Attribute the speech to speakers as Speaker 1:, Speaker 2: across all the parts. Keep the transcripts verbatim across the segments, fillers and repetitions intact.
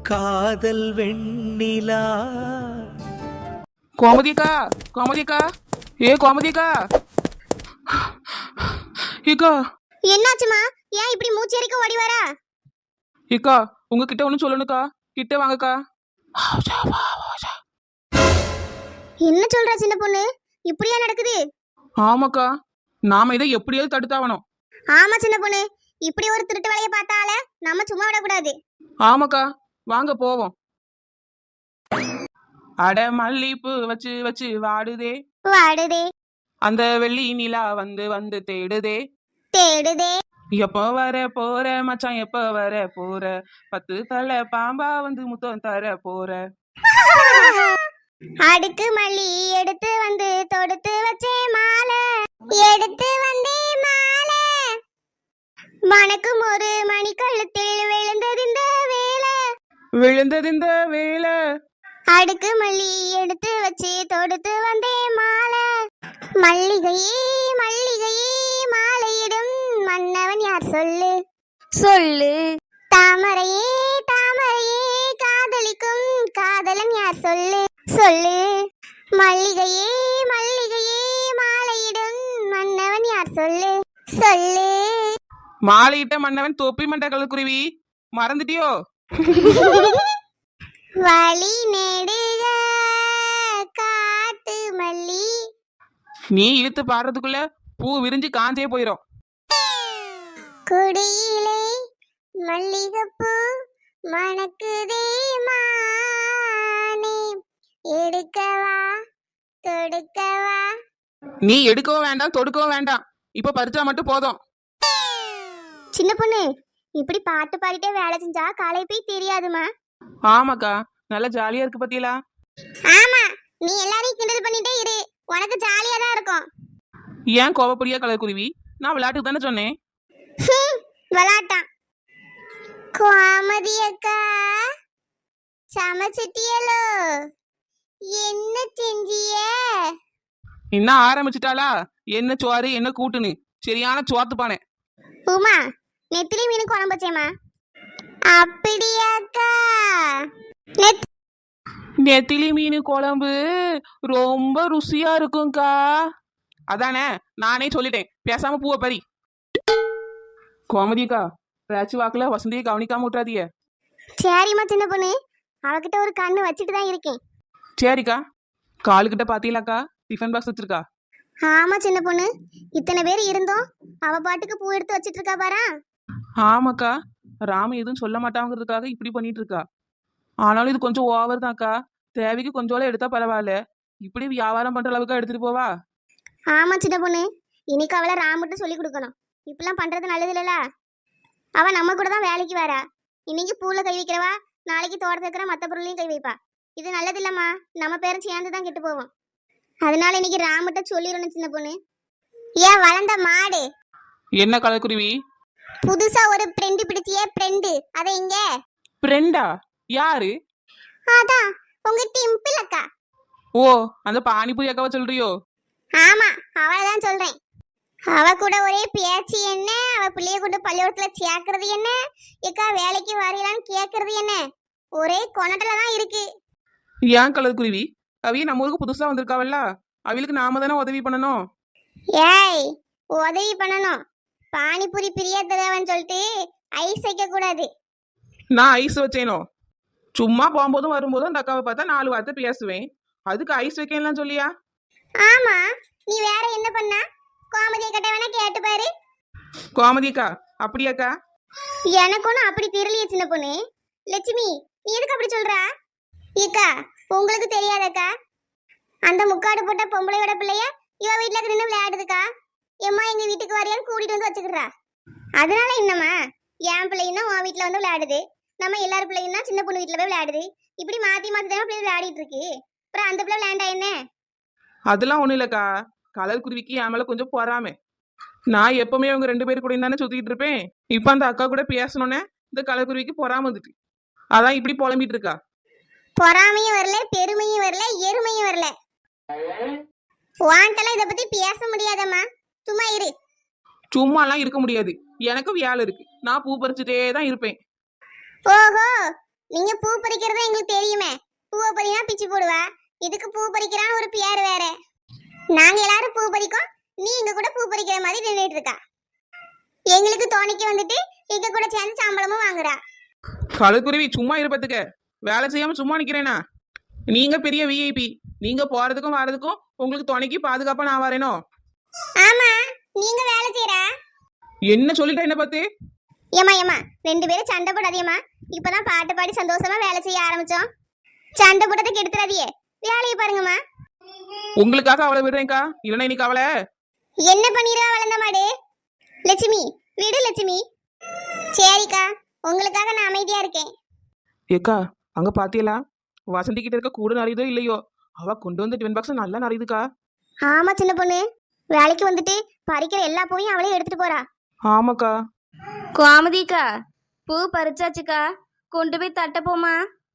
Speaker 1: காதல் வெண்ணிலா.
Speaker 2: கோமதிக்கா, கோமதிக்கா, ஏ கோமதிக்கா, ஏக்கா.
Speaker 3: என்னாச்சுமா? ஏன் இப்படி மூச்சரிக்க ஓடி வரா?
Speaker 2: ஏக்கா, உங்ககிட்ட ஒண்ணு சொல்லணுக்கா, கிட்ட வாங்கக்கா.
Speaker 3: என்ன சொல்ற சின்ன பொண்ணு? இப்படியா நடக்குது?
Speaker 2: ஆமாக்கா, நாம இதை எப்படியாவது தடுத்தாவணும்.
Speaker 3: ஆமா சின்ன பொண்ணு, இப்படி ஒரு திருட்டு வேலையை பார்த்தால நம்ம சும்மா விடக்கூடாது.
Speaker 2: ஆமாக்கா, வாங்க போவோம். அட மல்லிப்பூ வச்சு வச்சு வாடுதே
Speaker 3: வாடுதே,
Speaker 2: அந்த வெள்ளி நிலா வந்து வந்து தேடுதே.
Speaker 3: தேடுதே,
Speaker 2: எப்போ வர போற மச்சான், எப்போ வர போற, பத்து தலை பாம்பா வந்து முத்தம் தர போற.
Speaker 3: அடுக்கு மல்லி எடுத்து வந்து தொடுத்து வச்சே மாலை, எடுத்து வந்தே மாலை, மணக்கும் ஒரு மணி கழுத்தில் விழுந்தது இந்த வேலை,
Speaker 2: விழுந்தது இந்த வேலை.
Speaker 3: அடுக்கு மல்லி எடுத்து வச்சு தொடுத்து வந்தே மாலை, மல்லிகையே மல்லிகையே மாலையிடும் மன்னவன் யார் சொல்லு சொல்லு, தாமரையே தாமரையே காதலிக்கும் காதலன் யார் சொல்லு சொல்லு, மல்லிகையே மல்லிகையே மாலையிடும் மன்னவன் யார் சொல்லு சொல்லு.
Speaker 2: மாலையிட்ட மன்னவன் தொப்பி மண்ட கலக்குருவி, மறந்துட்டியோ?
Speaker 3: வழி நெடுக காட்டு மல்லி.
Speaker 2: நீ இழுத்து பாடுறதுக்குள்ள பூ விரிஞ்சு காஞ்சே போயிரும்.
Speaker 3: குடியிலே மல்லிகைப்பூ மணக்குதே மானே, எடுக்கவா தொடுக்கவா.
Speaker 2: நீ எடுக்கவும் வேண்டாம், தொடுக்கவும் வேண்டாம், இப்ப பறிச்சா மட்டும் போதும்.
Speaker 3: சின்ன பொண்ணு, இப்படி பாட்டு பாடிட்டே வேலை செஞ்சா காலை போய் தெரியாதுமா.
Speaker 2: ஆமாக்கா, நல்லா ஜாலியா இருக்கு பத்தியலா.
Speaker 3: ஆமா, நீ எல்லாரையும் கிண்டல் பண்ணிட்டே இரு, உனக்கு ஜாலியா தான் இருக்கும்.
Speaker 2: ஏன் கோவப்படியா கலக்குருவி? நான் விளையாட்டுக்கு தானே சொன்னேன்.
Speaker 3: விளாட்டான். கோமதி அக்கா, சமைச்சிட்டியலோ? என்ன செஞ்சிய?
Speaker 2: இன்னும் ஆரம்பிச்சுட்டாளா? என்ன சோறு என்ன கூட்டுன்னு சரியான சோத்து பானே.
Speaker 3: உமா, நெத்திலி மீன் குழம்பு வச்சேம்மா. அப்படியாக்கா? நெத்
Speaker 2: நெத்திலி மீன் குழம்பு ரொம்ப ருசியா இருக்கும்க்கா. அதானே நானே சொல்லிட்டேன், பேசாம பூவை பறி. கோமதிக்கா, பேச்சு வாக்குல வசந்தியை கவனிக்காம விட்டுறாதீங்க.
Speaker 3: சரிம்மா சின்ன பொண்ணு, அவகிட்ட ஒரு கண்ணு வச்சுட்டு தான் இருக்கேன்.
Speaker 2: சரிக்கா. காலுக்கிட்ட பாத்தீங்களாக்கா, டிஃபன் பாக்ஸ் வச்சிருக்கா.
Speaker 3: ஆமா சின்ன பொண்ணு, இத்தனை பேர் இருந்தோம், அவ பாட்டுக்கு பூ எடுத்து வச்சிட்டு இருக்கா பாரா.
Speaker 2: ஆமாக்கா, ராம எதுவும் சொல்ல மாட்டாங்கிறதுக்காக இப்படி பண்ணிட்டு இருக்கா. ஆனாலும் இது கொஞ்சம் ஓவர் தான்க்கா. தேவைக்கு கொஞ்சோல எடுத்தா பரவாயில்ல, இப்படி வியாபாரம் பண்ற அளவுக்கு எடுத்துட்டு போவா.
Speaker 3: ஆமா சின்ன பொண்ணு, இன்னைக்கு அவளை ராமட்டு சொல்லி கொடுக்கணும். இப்பெல்லாம் பண்றது நல்லது இல்லல. அவ நம்ம கூட தான் வேலைக்கு வரா. இன்னைக்கு பூல கை வைக்கிறவா, நாளைக்கு தோட்டத்துல இருக்கிற மற்ற பொருளையும் கை வைப்பா. இது நல்லது இல்லம்மா, நம்ம பேரும் சேர்ந்து தான் கெட்டு போவோம். அதனால இன்னைக்கு ராமட்ட சொல்லிடணும் சின்ன பொண்ணு. ஏன் வளர்ந்த மாடு,
Speaker 2: என்ன கலக்குருவி?
Speaker 3: புதுசா ஒரு ஃப்ரெண்டு பிடிச்சியே ஃப்ரெண்டு, அத இங்க.
Speaker 2: ஃப்ரெண்டா? யாரு?
Speaker 3: அதான் உங்க டிம்பிள் அக்கா.
Speaker 2: ஓ, அந்த பானிபூரி அக்காவை சொல்றியோ?
Speaker 3: ஆமா, அவளதான் சொல்றேன். அவ கூட ஒரே பேச்சு என்ன, அவ பிள்ளைய கொண்டு பள்ளிக்கூடத்துல சேர்க்கறது என்ன, ஏக்கா வேலைக்கு வரையலான்னு கேட்கறது என்ன, ஒரே கொணட்டல தான் இருக்கு.
Speaker 2: ஏன் கலக்குருவி? அவைய நம்ம ஊருக்கு புதுசா வந்திருக்காவல்ல, அவளுக்கு நாம தானே உதவி பண்ணணும்.
Speaker 3: ஏய், உதவி பண்ணணும். பானிபூரி பிரியா தருவன்னு சொல்லிட்டு ஐஸ் வைக்க கூடாது.
Speaker 2: நான் ஐஸ் வச்சேனோ? சும்மா போகும்போதும் வரும்போதும் அந்த அக்காவை பார்த்தா நாலு வார்த்தை பேசுவேன், அதுக்கு ஐஸ் வைக்கலாம் சொல்லியா?
Speaker 3: ஆமா, நீ வேற என்ன பண்ண? கோமதியை கிட்ட வேணா கேட்டு பாரு.
Speaker 2: கோமதிக்கா, அப்படியாக்கா?
Speaker 3: எனக்கு ஒன்றும் அப்படி தெரியலையே சின்ன பொண்ணு. லட்சுமி, நீ எதுக்கு அப்படி சொல்றா? ஏக்கா, உங்களுக்கு தெரியாதக்கா, அந்த முக்காடு போட்ட பொம்பளையோட பிள்ளைய இவ வீட்டுல நின்று விளையாடுதுக்கா. எம்மா எங்க வீட்டுக்கு வரையான்னு கூட்டிட்டு வந்து வச்சுக்கிறா. அதனால என்னம்மா, என் பிள்ளையும் தான் உன் வீட்டுல வந்து விளையாடுது, நம்ம எல்லாரும் பிள்ளையும் தான் சின்ன பொண்ணு வீட்டுல போய் விளையாடுது. இப்படி மாத்தி மாத்தி தானே பிள்ளை விளையாடிட்டு இருக்கு. அப்புறம் அந்த பிள்ளை விளையாண்டா என்ன?
Speaker 2: அதெல்லாம் ஒண்ணும் இல்லக்கா, கலர் குருவிக்கு என் மேல கொஞ்சம் பொறாமை. நான் எப்பவுமே அவங்க ரெண்டு பேரும் கூட தானே சுத்திட்டு இருப்பேன். இப்ப அந்த அக்கா கூட பேசணுன்னே இந்த கலர் குருவிக்கு பொறாம வந்துட்டு, அதான் இப்படி புலம்பிட்டு இருக்கா.
Speaker 3: பொறாமையும் வரல, பெருமையும் வரல, எருமையும் வரல. வாண்டெல்லாம் இத பத்தி பேச முடியாதம்மா, சும்மா இரு.
Speaker 2: சும்மாலாம் இருக்க முடியாது, எனக்கு வேலை இருக்கு. நான் பூ பறிச்சுட்டே தான் இருப்பேன்.
Speaker 3: ஓஹோ, நீங்க பூ பறிக்கிறது எங்களுக்கு தெரியுமே. பூவை பறினா பிச்சு போடுவா, இதுக்கு பூ பறிக்கிறான்னு ஒரு பேர் வேற. நாங்க எல்லாரும் பூ பறிக்கோம், நீ எங்க கூட பூ பறிக்கிற மாதிரி நின்றுட்டு இருக்கா. எங்களுக்கு தோணிக்கு வந்துட்டு எங்க கூட சேர்ந்து சம்பளமும் வாங்குறா.
Speaker 2: கலக்குருவி சும்மா இருப்பதுக்கு வேலை செய்யாம சும்மா நிக்கிறேனா? நீங்க பெரிய விஐபி, நீங்க போறதுக்கும் வர்றதுக்கும் உங்களுக்கு துணைக்கு பாதுகாப்பா நான் வரேனோ?
Speaker 3: ஆமா, நீங்க வேலை செய்யறா.
Speaker 2: என்ன சொல்லிட்டா என்ன பார்த்து?
Speaker 3: ஏமா ஏமா ரெண்டு பேரும் சண்டை போடாதீங்கம்மா. இப்பதான் பாட்டு பாடி சந்தோஷமா வேலை செய்ய ஆரம்பிச்சோம். சண்டை போட்டதுக்கு எடுத்துறாதியே, வேலையை பாருங்கம்மா.
Speaker 2: உங்களுக்காக அவளை விடுறேன்க்கா, இல்லைன்னா இன்னைக்கு அவளை
Speaker 3: என்ன பண்ணிடுவா வளர்ந்த மாடு. லட்சுமி விடு லட்சுமி. சரிக்கா, உங்களுக்காக நான் அமைதியா இருக்கேன்.
Speaker 2: ஏக்கா அங்க பாத்தியலா வசந்தி கிட்ட இருக்க கூட நிறையதோ இல்லையோ, அவ கொண்டு வந்து டிவன் பாக்ஸ் நல்லா நிறையுதுக்கா.
Speaker 3: ஆமா சின்ன பொண்ணு, வேலைக்கு வந்துட்டு பறிக்கிற எல்லா பூவையும் அவளே எடுத்துட்டு போறா.
Speaker 2: ஆமாக்கா.
Speaker 4: கோமதிக்கா பூ பறிச்சாச்சுக்கா, கொண்டு போய் தட்ட போமா.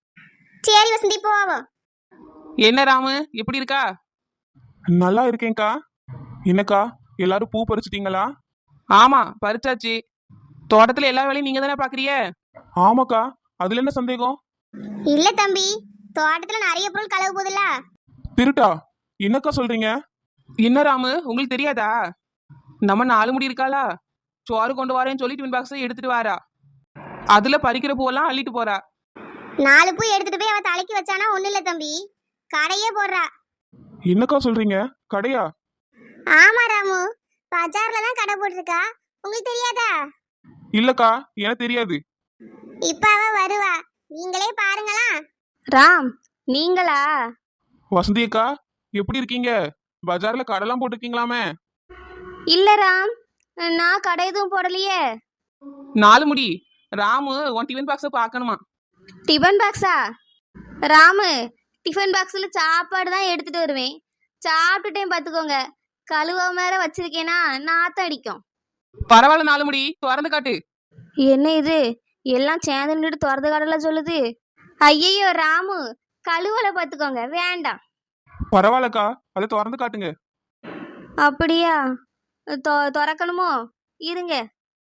Speaker 3: சரி வசந்தி போவோம்.
Speaker 2: என்ன ராமு எப்படி இருக்கா?
Speaker 5: நல்லா இருக்கேன்க்கா. என்னக்கா எல்லாரும் பூ பறிச்சிட்டீங்களா?
Speaker 2: ஆமா பறிச்சாச்சு. தோட்டத்துல எல்லா வேலையும் நீங்க தானே பாக்குறிய?
Speaker 5: ஆமாக்கா, அதுல என்ன சந்தேகம்?
Speaker 3: இல்ல தம்பி, தோட்டத்துல நிறைய பொருள் களவு போகுதுல்ல.
Speaker 5: திருட்டா? என்னக்கா சொல்றீங்க?
Speaker 2: என்ன ராமு உங்களுக்கு தெரியாதா? நம்ம நாலு முடி இருக்காளா, சோறு கொண்டு வரேன்னு சொல்லி டிவன் பாக்ஸ் எடுத்துட்டு வாரா. அதுல பறிக்கிற பூவெல்லாம் அள்ளிட்டு போறா.
Speaker 3: நாலு பூ எடுத்துட்டு போய் அவ தலைக்கு வச்சானா ஒண்ணு இல்ல தம்பி, கடையே போடுறா.
Speaker 5: என்னக்கா சொல்றீங்க? கடையா?
Speaker 3: ஆமா ராமு, பஜார்ல தான் கடை போட்டிருக்கா. உங்களுக்கு தெரியாதா?
Speaker 5: இல்லக்கா, எனக்கு தெரியாது.
Speaker 3: இப்ப அவ வருவா, நீங்களே பாருங்களா.
Speaker 4: ராம் நீங்களா?
Speaker 5: வசந்தி அக்கா எப்படி இருக்கீங்க? பஜார்ல கடைலாம் போட்டிருக்கீங்களாமே.
Speaker 4: இல்ல ராம், நான் கடை எதுவும் போடலையே.
Speaker 2: நாலு முடி ராமு உன் டிஃபன் பாக்ஸ பாக்கணுமா?
Speaker 4: டிஃபன் பாக்ஸா? ராமு டிஃபன் பாக்ஸ்ல சாப்பாடு தான் எடுத்துட்டு வருவேன். சாப்பிட்டுட்டேன் பார்த்துக்கோங்க. கழுவாம வேற வச்சிருக்கேனா நாத்தம் அடிக்கும்.
Speaker 2: பரவாயில்ல நாலு முடி திறந்து காட்டு.
Speaker 4: என்ன இது எல்லாம் சேர்ந்து நின்றுட்டு திறந்த கடல சொல்லுது. ஐயையோ ராமு, கழுவலை பார்த்துக்கோங்க, வேண்டாம்.
Speaker 5: பரவாயில்லக்கா, அதை திறந்து காட்டுங்க.
Speaker 4: அப்படியா? தொ- திறக்கணுமோ? இருங்க.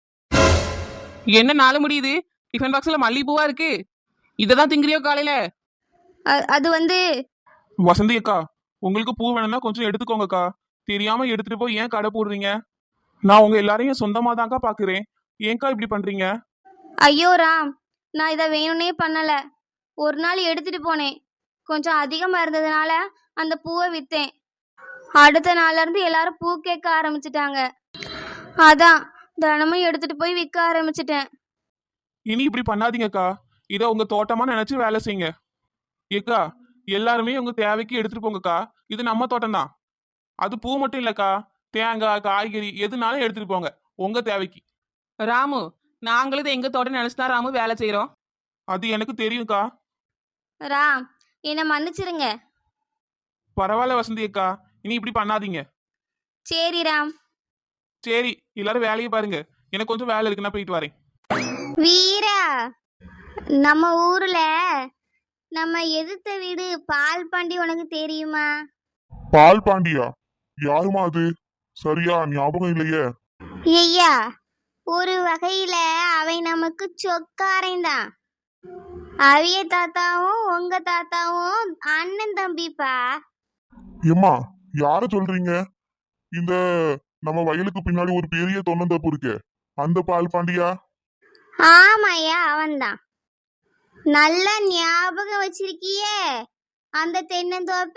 Speaker 2: என்ன நாலு முடி இது டிஃபன் பாக்ஸ்ல மல்லிகைப்பூவா இருக்கு? இததான் திங்கிறியோ காலையில?
Speaker 4: அ- அது வந்து
Speaker 5: வசந்தி அக்கா, உங்களுக்கு பூ வேணும்னா கொஞ்சம் எடுத்துக்கோங்கக்கா. தெரியாம எடுத்துட்டு போய் ஏன் கடை போடுறீங்க? நான் உங்க எல்லாரையும் சொந்தமா தான்க்கா பாக்குறேன். ஏன்க்கா இப்படி பண்றீங்க?
Speaker 4: ஐயோ ராம், நான் இதை வேணும்னே பண்ணல. ஒரு நாள் எடுத்துட்டு போனேன், கொஞ்சம் அதிகமா இருந்ததுனால அந்த பூவை வித்தேன். அடுத்த நாள்ல இருந்து எல்லாரும் பூ கேட்க ஆரம்பிச்சிட்டாங்க. அதான் தினமும் எடுத்துட்டு போய் விற்க ஆரம்பிச்சிட்டேன்.
Speaker 5: இனி இப்படி பண்ணாதீங்கக்கா. இதை உங்க தோட்டமா நினைச்சு வேலை செய்யுங்க. ஏக்கா, எல்லாருமே உங்க தேவைக்கு எடுத்துட்டு போங்கக்கா. இது நம்ம தோட்டம் தான். அது பூ மட்டும் இல்லக்கா, தேங்காய் காய்கறி எதுனாலும் எடுத்துட்டு போங்க உங்க தேவைக்கு.
Speaker 2: ராமு நாங்களும் இதை எங்க தோட்டம் நினைச்சுதான் ராமு வேலை செய்யறோம்.
Speaker 5: அது எனக்கு தெரியும்க்கா.
Speaker 4: ராம் என்னை மன்னிச்சிருங்க.
Speaker 5: பரவாயில்ல வசந்தி அக்கா, இனி இப்படி பண்ணாதீங்க.
Speaker 4: சரி ராம்.
Speaker 5: சரி, எல்லாரும் வேலையை பாருங்க. எனக்கு கொஞ்சம் வேலை இருக்கு, நான் போயிட்டு வரேன்.
Speaker 4: வீரா, நம்ம ஊர்ல நம்ம எதிர்த்த வீடு பால் பாண்டி உனக்கு தெரியுமா?
Speaker 6: பால் பாண்டியா? யாருமா அது? சரியா ஞாபகம் இல்லையே.
Speaker 4: ஐயா, ஒரு வகையில அவை நமக்கு சொக்காரன்தான். அவிய தாத்தாவும் உங்க தாத்தாவும் அண்ணன் தம்பிப்பா.
Speaker 6: ஏம்மா, யார சொல்றீங்க? இந்த நம்ம வயலுக்கு பின்னாடி ஒரு பெரிய தொன்னந்தப்பு இருக்கே, அந்த பால் பாண்டியா?
Speaker 4: ஆமாய்யா, அவன்தான். நல்லா ஞாபகம் வச்சிருக்கியே அந்த தென்னந்தோப்ப.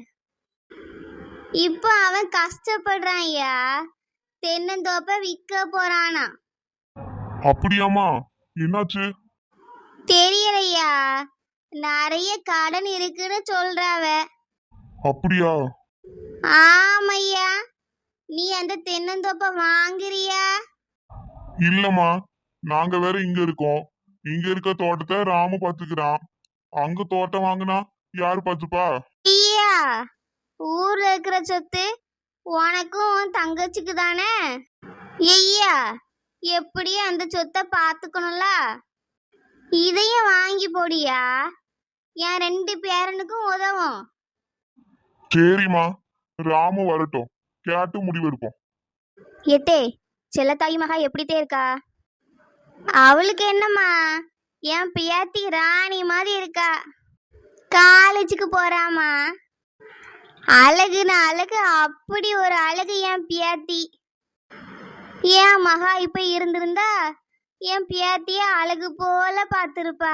Speaker 4: இப்போ அவன் கஷ்டப்படுறான் ஐயா, தென்னந்தோப்ப விற்க போறானா.
Speaker 6: அப்படியாம்மா? என்னாச்சு?
Speaker 4: தெரியலையா, நிறைய கடன் இருக்குன்னு சொல்றாவ.
Speaker 6: அப்படியா?
Speaker 4: ஆமையா, நீ அந்த தென்னந்தோப்ப வாங்குறியா?
Speaker 6: இல்லம்மா, நாங்க வேற இங்க இருக்கோம். இங்க இருக்க தோட்டத்தை ராமு பாத்துக்கிறான். அங்க தோட்டம் வாங்கினா யாரு பாத்துப்பா?
Speaker 4: ஐயா, ஊர்ல இருக்கிற சொத்து உனக்கும் உன் தங்கச்சிக்கு தானே. ஐயா, எப்படி அந்த சொத்தை பாத்துக்கணும்ல. இதையும் வாங்கி போடியா, என் ரெண்டு பேரனுக்கும் உதவும்.
Speaker 6: சரிம்மா, ராமு வரட்டும், கேட்டு முடிவெடுப்போம்.
Speaker 4: எத்தே செல்லத்தாய் மகா எப்படித்தே இருக்கா? அவளுக்கு என்னம்மா, என் பியாத்தி ராணி மாதிரி இருக்கா. காலேஜுக்கு போறாமா. அழகுன்னு அழகு, அப்படி ஒரு அழகு என் பியாத்தி. என் மகா இப்ப இருந்திருந்தா என் பியாத்திய அழகு போல பார்த்திருப்பா.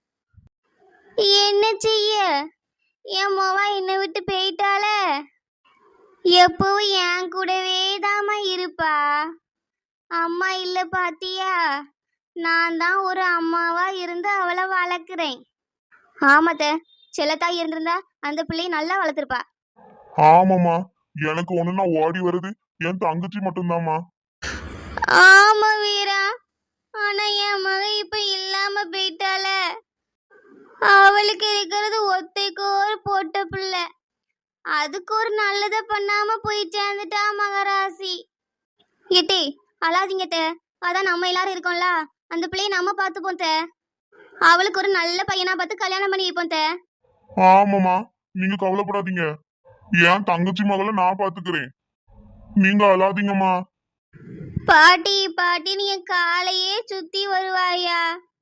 Speaker 4: என்ன செய்ய, என் மொவா என்னை விட்டு போயிட்டால. எப்பவும் என் கூடவே தாமா இருப்பா. அம்மா இல்ல பாத்தியா, நான் தான் ஒரு அம்மாவா இருந்து அவளை வளர்க்குறேன். ஆமாத்த, செல்லத்தாய் இருந்திருந்தா அந்த பிள்ளையை நல்லா வளர்த்துருப்பா.
Speaker 6: ஆமாம்மா, எனக்கு ஒண்ணுன்னா ஓடி வருது என் தங்கச்சி மட்டும்தாம்மா.
Speaker 4: ஆமா வீரா, ஆனா என் மக இப்ப இல்லாம போயிட்டால. அவளுக்கு இருக்கிறது ஒத்தைக்கு ஒரு பொட்ட பிள்ளை, அதுக்கு ஒரு நல்லதை பண்ணாம போய் சேர்ந்துட்டா மகராசி. ஏத்தே அழாதீங்க தே, அதான் நம்ம எல்லாரும் இருக்கோம்ல, அந்த பிள்ளையை நம்ம பார்த்துப்போம் தே. அவளுக்கு ஒரு நல்ல பையனா பார்த்து கல்யாணம் பண்ணி வைப்போம் தே.
Speaker 6: ஆமாம்மா, நீங்க கவலைப்படாதீங்க, என் தங்கச்சி மகளை நான் பாத்துக்கிறேன், நீங்க அழாதீங்கம்மா.
Speaker 4: பாட்டி பாட்டி நீ என் காலையே சுத்தி வருவாயா.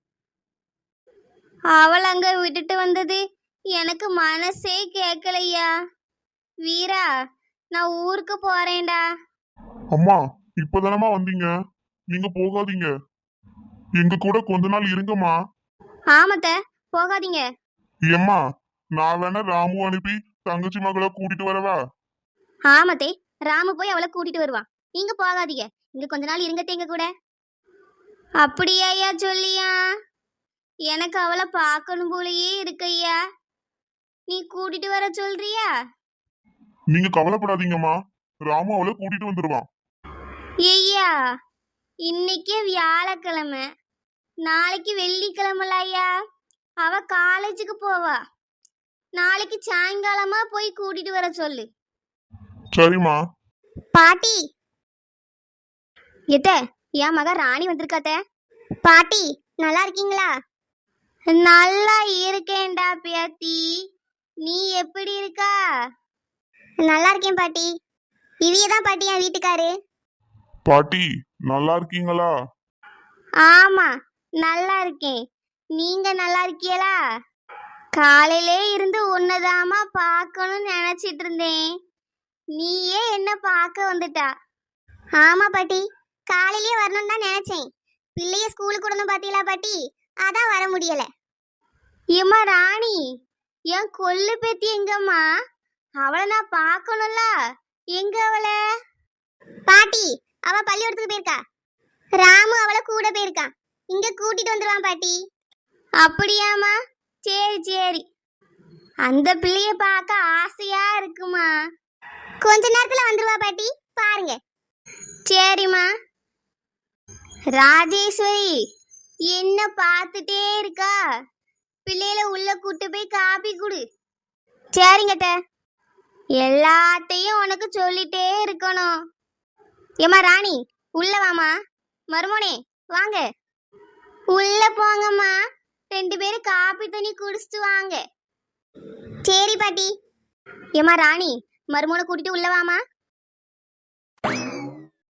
Speaker 4: அவள் அங்க விட்டுட்டு வந்தது எனக்கு மனசே கேட்கலையா. வீரா, நான் ஊருக்கு போறேன்டா.
Speaker 6: அம்மா, இப்பதானம்மா வந்தீங்க, நீங்க போகாதீங்க, எங்க கூட கொஞ்ச நாள் இருங்கம்மா.
Speaker 4: ஆமத்த, போகாதீங்க.
Speaker 6: ஏம்மா, நான் வேணா ராமு அனுப்பி தங்கச்சி மகளை கூட்டிட்டு வரவா?
Speaker 4: ஆமத்தே, ராமு போய் அவளை கூட்டிட்டு வருவான், நீங்க போகாதீங்க, இங்க கொஞ்ச நாள் இருங்கத்தே எங்க கூட. அப்படியா ஐயா சொல்லியா, எனக்கு அவளை பார்க்கணும் போலயே இருக்கையா, நீ கூட்டிட்டு வர சொல்றியா?
Speaker 6: நீங்க கவலைப்படாதீங்கம்மா, ராமு அவளை கூட்டிட்டு வந்துருவான்.
Speaker 4: ஐயா, இன்னைக்கு வியாழக்கிழமை, நாளைக்கு வெள்ளிக்கிழமைல ஐயா, அவ காலேஜுக்கு போவா. நாளைக்கு சாயங்காலமா போய் கூட்டிட்டு வர சொல்லு.
Speaker 6: சரிம்மா.
Speaker 3: பாட்டி
Speaker 4: எத்த, என் மக ராணி வந்திருக்காத்த.
Speaker 3: பாட்டி நல்லா இருக்கீங்களா?
Speaker 4: நல்லா இருக்கேன்டா பேத்தி, நீ எப்படி இருக்கா?
Speaker 3: நல்லா இருக்கேன் பாட்டி. இவியதான் பாட்டி என் வீட்டுக்காரு.
Speaker 6: பாட்டி நல்லா இருக்கீங்களா?
Speaker 4: ஆமா, நல்லா இருக்கேன். நீங்க நல்லா இருக்கீங்களா? காலையிலே இருந்து உன்னதாமா பார்க்கணும்னு நினைச்சிட்டு இருந்தேன், நீயே என்ன பார்க்க வந்துட்டா.
Speaker 3: ஆமா பாட்டி, காலையிலேயே வரணும்னு தான் நினைச்சேன், பிள்ளைய ஸ்கூலுக்கு விடணும் பாத்தீங்களா பாட்டி, அதான் வர முடியல.
Speaker 4: ஏம்மா ராணி, என் கொள்ளு பேத்தி எங்கம்மா? அவளை நான் பார்க்கணும்ல, எங்க அவளை?
Speaker 3: பாட்டி அவ பள்ளிக்கூடத்துக்கு போயிருக்கா, ராமு அவளை கூட போயிருக்கான், இங்க கூட்டிட்டு வந்துருவான் பாட்டி.
Speaker 4: அப்படியாம்மா, சரி சரி. அந்த பிள்ளைய பார்க்க ஆசையா இருக்குமா.
Speaker 3: கொஞ்ச நேரத்துல வந்துருவா பாட்டி, பாருங்க.
Speaker 4: சரிம்மா. ராஜேஸ்வரி என்ன பார்த்துட்டே இருக்கா, பிள்ளையில உள்ள கூட்டு போய் காப்பி குடு. சரிங்கத்த, எல்லாத்தையும் உனக்கு சொல்லிட்டே இருக்கணும். ஏம்மா ராணி, உள்ள வாமா. மருமோனே வாங்க, உள்ள போங்கம்மா, ரெண்டு பேரும் காப்பி தண்ணி குடிச்சிட்டு வாங்க.
Speaker 3: சரி பாட்டி.
Speaker 4: ஏம்மா ராணி, மருமோனை கூட்டிட்டு உள்ள வாமா.